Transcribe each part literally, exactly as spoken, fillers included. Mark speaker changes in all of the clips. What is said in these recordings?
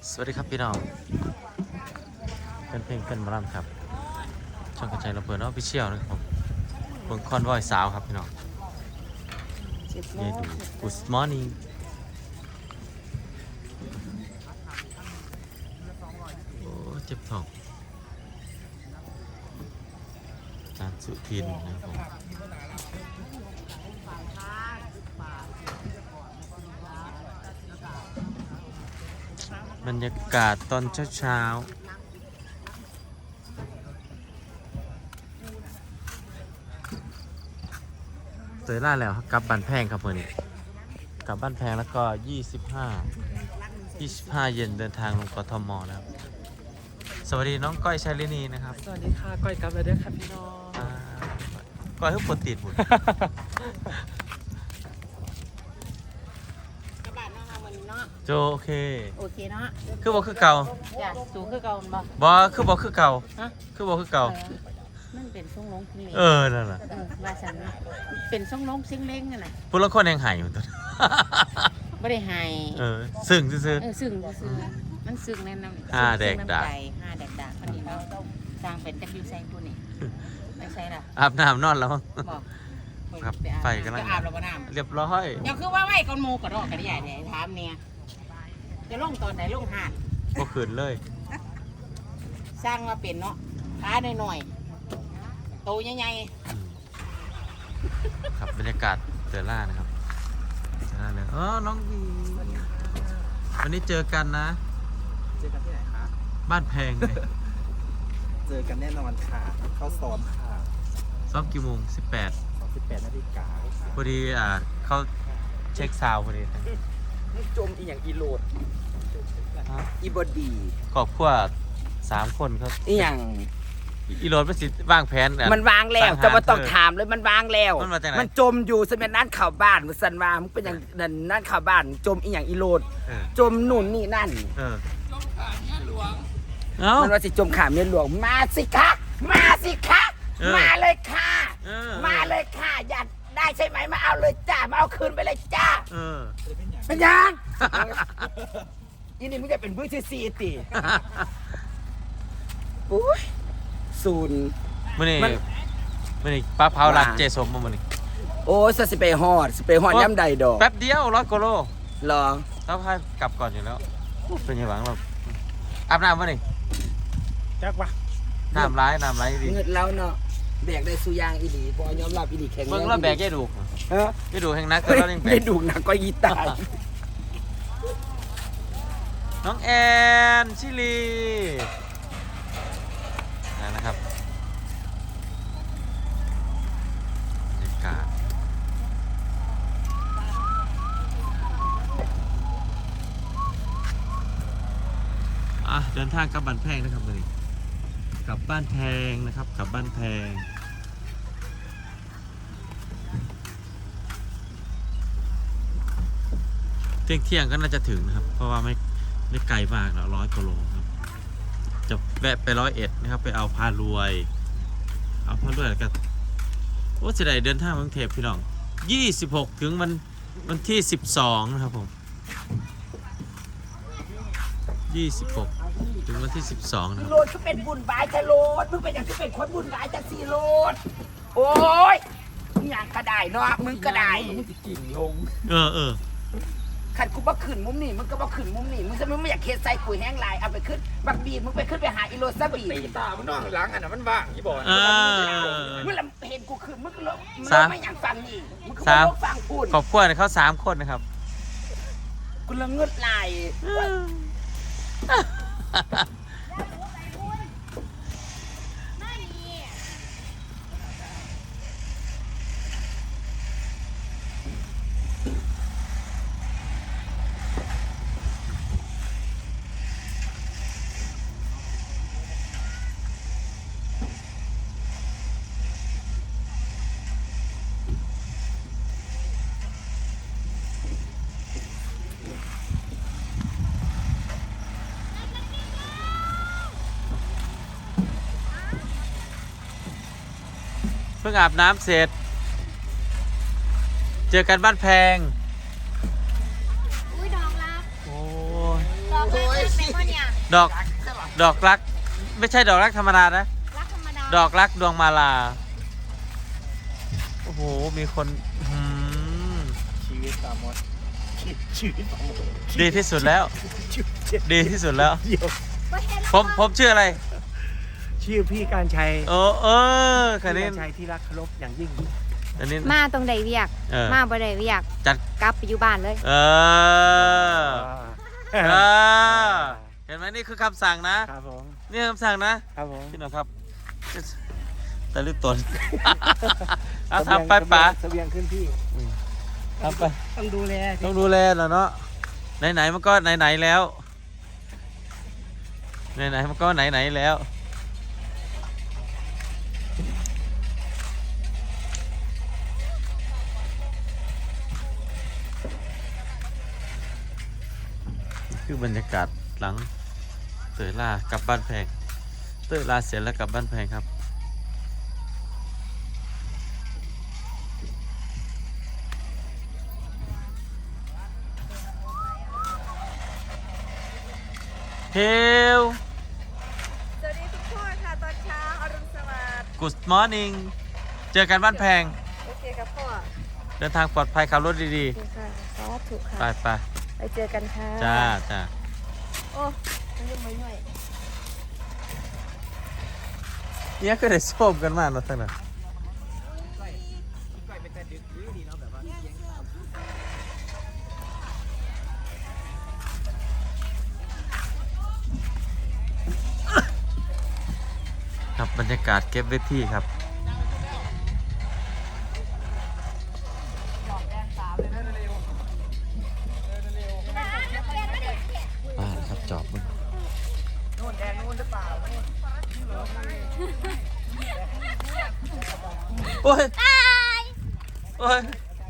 Speaker 1: สวัสดีครับพี่น้องเป็นเพลงเป็นบอลลัมครับช่องกระจายระเบิดออฟฟิเชียลนะครับผมเบิ่งคอนวอยสาวครับพี่น้องนี่ดู Good morning โอ้เจ็บท้องอาจารย์สุทินนะครับผมบรรยากาศตอนเช้าๆเตยล่าแล้วกลับบ้านแพงครับเพื่อนกลับบ้านแพงแล้วก็ยี่สิบห้า ยี่สิบห้าเย็นเดินทางลงกทมแล้วสวัสดีน้องก้อยชาลินีนะครับ
Speaker 2: สวัสดีค่ะก้อยกลับแล้วเด้อค่ะพี่น้อง
Speaker 1: อ่าก้อยเพิ่งปวดติดหมด
Speaker 3: กระบะเนาะค่ะวันนี้เนาะ
Speaker 1: โจโอเค
Speaker 3: โอเคเนาะ
Speaker 1: คือบอกคือเก่า
Speaker 3: จ้ะสูงคือเก่าบ่
Speaker 1: บอคือบอกคือเก่า
Speaker 3: ฮะ
Speaker 1: คือบอกคือเก่า
Speaker 3: มันเป็นทรงลงซิงเล้ง
Speaker 1: เออนั่นแหละ
Speaker 3: เออว่าฉันเป็นทรงลงซิงเล้งนั่นน่ะ
Speaker 1: พูดแล้วคนยังหายอยู่ตัว
Speaker 3: บ่ได้หาย
Speaker 1: เออซึ้งซื่อ
Speaker 3: เออซึ้งซื่อมันซึ้งแน่นำ
Speaker 1: ห้าแดกดาก
Speaker 3: ห้าแดกดากคนนี้เนาะสร้างเป็นจักอยู่ใส่ผู้นี่ไม่ใช่ล่ะ
Speaker 1: อาบน้ำนอนแล้ว
Speaker 3: บอก
Speaker 1: ครับไฟกำลัง
Speaker 3: จะอาบแล้วบ่น้ำ
Speaker 1: เรียบร้อย
Speaker 3: เดี๋ยวคือว่าไว้ก่อนหมู่ก็ดอกก็ได้ใหญ่เนี่ยถามเนี่ยจะลงตอนไหนลงหาด
Speaker 1: ก็ขืนเลย
Speaker 3: สร้างมาเป็นเนาะขาหน่อยๆโตใหญ่
Speaker 1: อืมครับบรรยากาศเจอล่านะครับเจอล่าเลยเออน้องบีวันนี้เจอกันนะ
Speaker 2: เจอกันที่ไหนคะ
Speaker 1: บ้านแพงเลย
Speaker 2: เจอกันแน่นอนค่ะเข้าซ้อมค่ะ
Speaker 1: ซ้อมกี่โมงสิบแปด
Speaker 2: สองสิบแปดนาฬิกาค่ะ
Speaker 1: พอดีอ่าเขาเช็คซาวด์พอดี
Speaker 2: นี่จมอีอย่างอีโหลดอีบอดี
Speaker 1: ครอบครัวสามคนเขา
Speaker 2: อีอย่าง
Speaker 1: อีโรดมันสิว่างแผนอ่ะ
Speaker 2: มันวางแล้วจะมาต้องถามเลยมันวางแล้ว
Speaker 1: มันมาจากไหน
Speaker 2: มันจมอยู่สมัยนั้นข่าวบ้านมันสันว่ามันเป็นอย่างนั่นนั่นข่าวบ้านจมอีอย่างอีโหลด
Speaker 1: เออ
Speaker 2: จมหนุนนี่นั่น
Speaker 1: เออเอ้า
Speaker 2: มันว่าสิจมขามเมียหลวงมาสิคะมาสิคะ
Speaker 1: เออ
Speaker 2: มาเลยค่ะ
Speaker 1: เออ
Speaker 2: มาเลยค่ะอยากได้ใช่ไหมมาเอาเลยจ้ามาเอาคืนไปเลยจ้า
Speaker 1: เออ
Speaker 2: เป็นยังยินดีมึงจะเป็นบื้อที่ซีติอุ้ยศูนย์
Speaker 1: มื่อนี้
Speaker 2: มัน
Speaker 1: มื่อนี้ป้าเผาร้าน
Speaker 2: ว่า
Speaker 1: เจสมมามื่อนี้
Speaker 2: โอ้ยสเปรย์ฮอดสเปรย์ฮอดย่ำใดดอก
Speaker 1: แป๊บเดียวร้อยกิโล
Speaker 2: รอ
Speaker 1: แล้วพากลับก่อนอยู่แล้วเป็นยังไงบ้างเราอาบน้ำมื่อนี้
Speaker 2: จักวะ
Speaker 1: น้ำร้ายน้ำร้ายดี
Speaker 2: เงินแล้วเนาะแบกได้สุยางอีหลีพอยอมรับอีหลีแข็ง
Speaker 1: เบิ่งแล้วแบกแย่ดู
Speaker 2: ฮะ
Speaker 1: แย่ดูแห่งนักก็
Speaker 2: เฮ้ย
Speaker 1: เราเล่นแบ
Speaker 2: ไม่
Speaker 1: ก
Speaker 2: ดูหนักก็ยีตาย
Speaker 1: น้องแอนชิลีนะครับบรรยากาศอ่ะเดินทางกลับบ้านแพงนะครับวันนี้กลับบ้านแพงนะครับกลับบ้านแพงเที่ยงเที่ยงก็น่าจะถึงนะครับเพราะว่าไม่ไม่ไกลมากแล้วร้อยกิโลครับจะแวะไปร้อยเอ็ดนะครับไปเอาพารวยเอาพารวยแล้วก็โอ้เสียดายเดินทางกรุงเทพพี่น้องยี่สิบหกถึงวันวันที่สิบสองนะครับผมยี่สิบหกถึงวันที่สิบสองนะครับ
Speaker 2: โลดก็เป็นบุญบายจะโลดมึงเป็นอย่างที่เป็นคนบุญบายจะสีโลดโอ้ยมึงอย่างก็ได้เนาะมึงก็ได้มึงจะกิ่งลง
Speaker 1: เออเออ
Speaker 2: ขันกูบ่ขึ้นมุมนี่มึงก็บ่ขึ้นมุมนี่มึงจะมึงไม่อยากเคสใส่กุยแห้งลายเอาไปขึ้นบักบีมึงไปขึ้นไปหาอีโรซาบีตีตามึงนอนหลังอันน่ะมันว่างยี่บ่
Speaker 1: เออ
Speaker 2: มึงละเห็นกูขึ้นมึงก็ลงมึง
Speaker 1: สาม
Speaker 2: ไม่อยากฟังนี่มึงก็
Speaker 1: สาม
Speaker 2: บ่ลงฟังพูด
Speaker 1: ขอบคุณเขาสามคนนะครับ
Speaker 2: กูละเงืดลาย
Speaker 1: เพิ่งอาบน้ำเสร็จ เจอกันบ้านแพง
Speaker 4: อุ้ยดอกรัก
Speaker 1: โอ้ย
Speaker 4: ดอกรักเป็น
Speaker 1: ดอกดอกรัก ไม่ใช่ดอกรักธรรมดานะ
Speaker 3: รักธรรมดา
Speaker 1: ดอกรักดวงมาลา โอ้โห มีคนอืม
Speaker 2: ชีวิตปามดชีวิตปามด
Speaker 1: ดีที่สุดแล้ว ดีที่สุดแล้ว
Speaker 2: เดี๋ยว
Speaker 1: ผมผมชื่ออะไร
Speaker 2: ชื่อพี่การชัย
Speaker 1: โอ้เออคัน
Speaker 2: พี่
Speaker 1: นี้
Speaker 2: การชัยที่รักเคารพอย่างยิ่ง
Speaker 1: อันนี้
Speaker 4: มาตรงใดเวียก
Speaker 1: เออ
Speaker 4: มาบ่ได้เวียก
Speaker 1: จัด
Speaker 4: กลับไปอยู่บ้านเลย
Speaker 1: เออเออเห็นไหมนี่คือคำสั่งนะ
Speaker 2: ครับผม
Speaker 1: นี่คำสั่งนะครับ
Speaker 2: ผม
Speaker 1: พี่หน่อยครับแต่ลึกตน เอาทำไปป๋า
Speaker 2: เสบียงขึ้นที่
Speaker 1: ทำไป
Speaker 2: ต้องดูแล
Speaker 1: ต้องดูแลแล้วเนาะไหนๆมันก็ไหนๆแล้วไหนๆมันก็ไหนๆแล้วคือบรรยากาศหลังเตยล่ากลับบ้านแพงเตยล่าเสร็จแล้วกลับบ้านแพงครับเฮล
Speaker 5: สวัสดีทุกคนค่ะตอนเช้าอรุณสวัสดิ์
Speaker 1: Good morning เจอกันบ้านแพง
Speaker 5: โอเคครับพ่อ
Speaker 1: เดินทางปลอดภัยขับรถดี
Speaker 5: โอเคค่ะสาธุ
Speaker 1: ๆ
Speaker 5: ค่ะ
Speaker 1: ไปไป
Speaker 5: ไปเจอกันค่ะ
Speaker 1: จ้าจ้า
Speaker 5: โอ้ยยังไม่หน่อย
Speaker 1: เนี่ยก็ได้ส้มกันมากเนาะทั้งนั้นครับบรรยากาศเก็บเวทีครับมาครับจอบมึงโอ้ยโอ้ย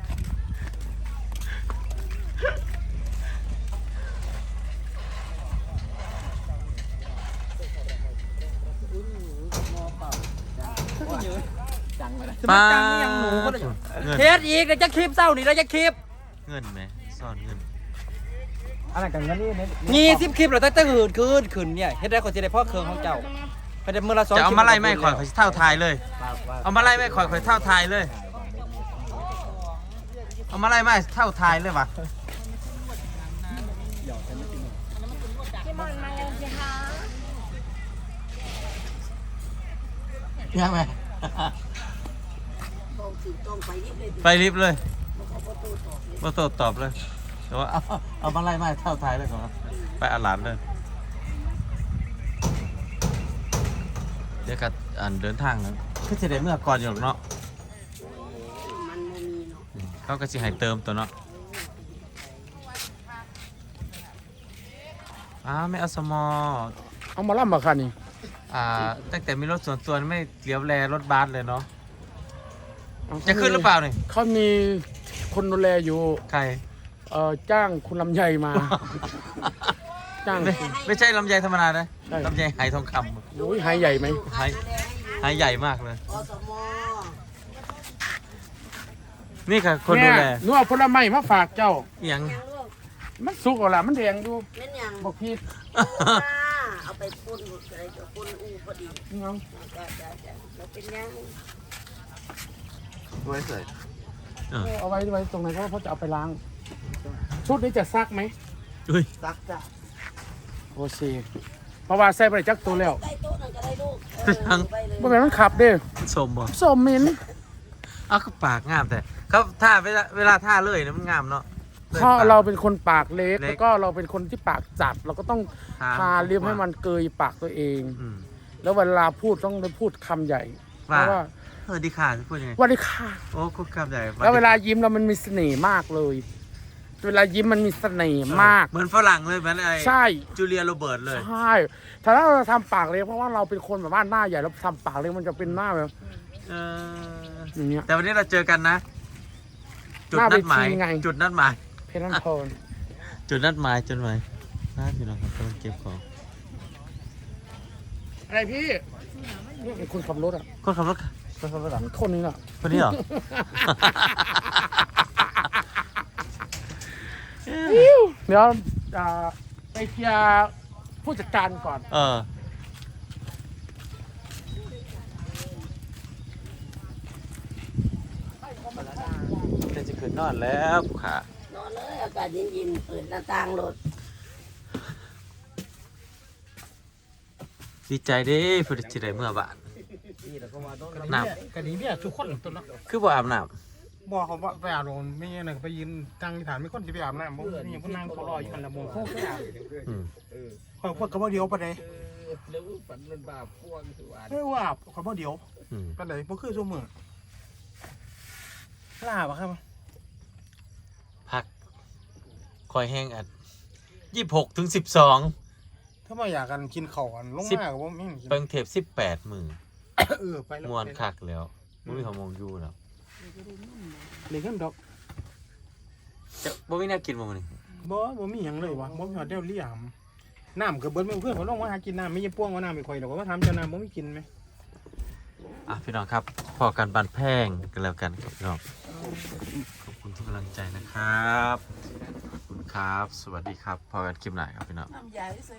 Speaker 1: ป้าเงิน
Speaker 6: เทสอีกแล้วจะคลิปเศร้านี่แล้วจะคลิป
Speaker 1: เงินไหมซ่อนเงิน
Speaker 2: อะไรกันงั้นนี่เน้น
Speaker 6: ยี่สิบคลิปแล้วตั้งแต่หืนคืนคืนเนี่ยเฮ็ดได้คนจะได้พ่อเครื่องของเจ้าไปได้มือละสอง
Speaker 1: จะเอา
Speaker 6: คลิป
Speaker 1: มาไล่ไม่ข่อยข่อยสิเท่าทายเลย
Speaker 2: ว่าว่า
Speaker 1: เอามาไล่ไม่ข่อยข่อยเท่าทายเลย เอามาไล่ไม่เท่าทายเลยวะ
Speaker 5: พี่มอนมาแล้วสิคะ
Speaker 1: ยังไงไปลิฟต์เลยมาตอบตอบเลยแต่ว่าเอาเอามาไล่ไม่เท่าทายเลยก่อนนะไปอาหลานเลยเดี๋ยวกับอ่านเดินทางนะคือจะได้เมื่อก่อนอยู่หรอกเนาะเขาก็จะให้เติมตัวเนาะอ้าวไม่เอาสมอ
Speaker 7: เอามาล่ำมาคันนี่
Speaker 1: อ่าตั้งแต่มีรถส่วนตัวไม่เหลียวแลรถบัสเลยเนาะจะขึ้นหรือเปล่าเนี่ย
Speaker 7: เขามีคนดูแลอยู่
Speaker 1: ใคร
Speaker 7: เอ่อจ้างคุณลำไยมา จ้าง
Speaker 1: ไม่ไม่ใช่ลำไยธรรมดานะ
Speaker 7: ใช่
Speaker 1: ลำไยไหทองค
Speaker 7: โอ้ยหายใหญ่ไหม
Speaker 1: ำไหไหใหญ่มากเลยนี่ค่ะคนดูแล
Speaker 7: หนูเอาผลไม้มาฝากเจ้า
Speaker 1: อหย่าง
Speaker 7: มันสุกเอาล่ะมันแดงดู
Speaker 8: นั่นยัง
Speaker 7: บอกพี่
Speaker 8: เอาไปปุ้นอะไรก็ปุ้นอูพอดี
Speaker 7: น้อง
Speaker 8: จ้าจ้าจ้าเราเป็นยัง
Speaker 1: ไว้ใส่
Speaker 7: เอาไว้ไว้ตรงไหนเพราะว่าเขาจะเอาไปล้าง ชุดนี้จะซักไหม
Speaker 1: อุ้ย
Speaker 2: ซักจ้ะ
Speaker 7: โอเคเพราะว่าใส่ไปจักตัวแล้ว
Speaker 8: ใต้โต๊ะนั่นก็ได้ลูก
Speaker 1: ทั้ง
Speaker 8: ไปเลย
Speaker 7: เมื่อไหร่มันขับเด้อ
Speaker 1: สมบ่
Speaker 7: สมมิน
Speaker 1: อ้าวก็ปากงามแต่เขาท่าเวลาเวลาท่าเลยนะมันงามเนาะลย
Speaker 7: เพราะ
Speaker 1: ปก
Speaker 7: เราเป็นคนปากเล็ก
Speaker 1: เล็ก
Speaker 7: แล้วก็เราเป็นคนที่ปากจัด เราก็ต้อง
Speaker 1: ทา
Speaker 7: ทาเลียมให้มันเกยปากตัวเอง
Speaker 1: อืม
Speaker 7: แล้วเวลาพูดต้องได้พูดคำใหญ่เพ
Speaker 1: ว่า
Speaker 7: ราะว่า
Speaker 1: เออดีค่ะพูดยังไง
Speaker 7: สวัสดีค่ะ
Speaker 1: โอ้คุกคำใหญ่
Speaker 7: แล้วเวลายิ้มเรามันมีเสน่ห์มากเลย เวลายิ้มมันมีเสน่ห์มาก
Speaker 1: เหมือนฝรั่งเลยเหมือนไอ้
Speaker 7: ใช่
Speaker 1: จูเลียโรเบิร์ตเลย
Speaker 7: ใช่ถ้าเราทำปากเล็กเพราะว่าเราเป็นคนแบบว่าหน้าใหญ่แล้วทำปากเล็กมันจะเป็นหน้าแบบ
Speaker 1: เออ
Speaker 7: อย่างเงี้ย
Speaker 1: แต่วันนี้เราเจอกันนะ จุด
Speaker 7: หน้า
Speaker 1: นัดหมาย
Speaker 7: เวทีไง
Speaker 1: จุดนัดหมาย
Speaker 7: เพชรนันทน
Speaker 1: จุดนัดหมายจุดหมายน่าพี่น้องครับกำลังเก็บของ
Speaker 7: อะไรพี่นี่เป็นคนขับรถอ่ะ
Speaker 1: คนขับรถคนขับรถเหรอ
Speaker 7: คนนี้แหละ
Speaker 1: คนนี้เหรอ
Speaker 7: เดี๋ยวอ่าไปเคลียร์ผู้จัดการก่อน
Speaker 1: เออจะจะขึ้นนอนแล้วค่ะ
Speaker 8: นอนเลยอากาศเย็นๆเปิดหน้าต่างรถ
Speaker 1: ดีใจเด้ผู้ที่ได้เมื่อบ้านน้
Speaker 7: กะดีเนี่ยทุกคนตัวละ
Speaker 1: ำคือบ่อาบน้
Speaker 7: บอกเขาว่าไปอาบน้ำไม่ใช่นะไปยืนตั้งฐานไม่คนจะไปอาบน้ำบ่มีคนนั่งเขารออยู่กันละมุนเขาไปอาบ
Speaker 1: ำอืม
Speaker 7: คอยพวกเขาบ่เดียวปะเลยเออว่าเขาบ่เดียว
Speaker 1: อืม
Speaker 7: ปะเลยบ่คือชั่วมือลาบะครับ
Speaker 1: พักคอยแห้งอัดยี่สิบหกถึงสิบสอง
Speaker 7: ถ้ามาอยากกันกินข้าวกันลง
Speaker 1: สิบ
Speaker 7: มาก็บ่มีกิน
Speaker 1: เปิงเทปสิบแปดมือ
Speaker 7: เออไปแล้ว
Speaker 1: มวนคักแล้วบ่มีของมองอยู่แล้ว
Speaker 7: เลี้ยงกันดอก
Speaker 1: จะบ่มีแนวกินบ่มื้อนี้
Speaker 7: บ่บ่มีหยังเลยวะบ่มีหอดเดียวเลี้ยมน้ำก็เบิดไม่เพื่อนเขาลงมาหากินน้ำไม่ยังป้วงว่าน้ำไม่ค่อยดอกว่าทำเจ้าน้ำบ่มีกินไหม
Speaker 1: อ่ะพี่น้องครับพอกันบันแพงกันแล้วกันครับพี่น้องขอบคุณทุกกำลังใจนะครับขอบคุณครับ สวัสดีครับพอกันคลิปหน้าครับพี่น้อง
Speaker 3: น้ำยาที่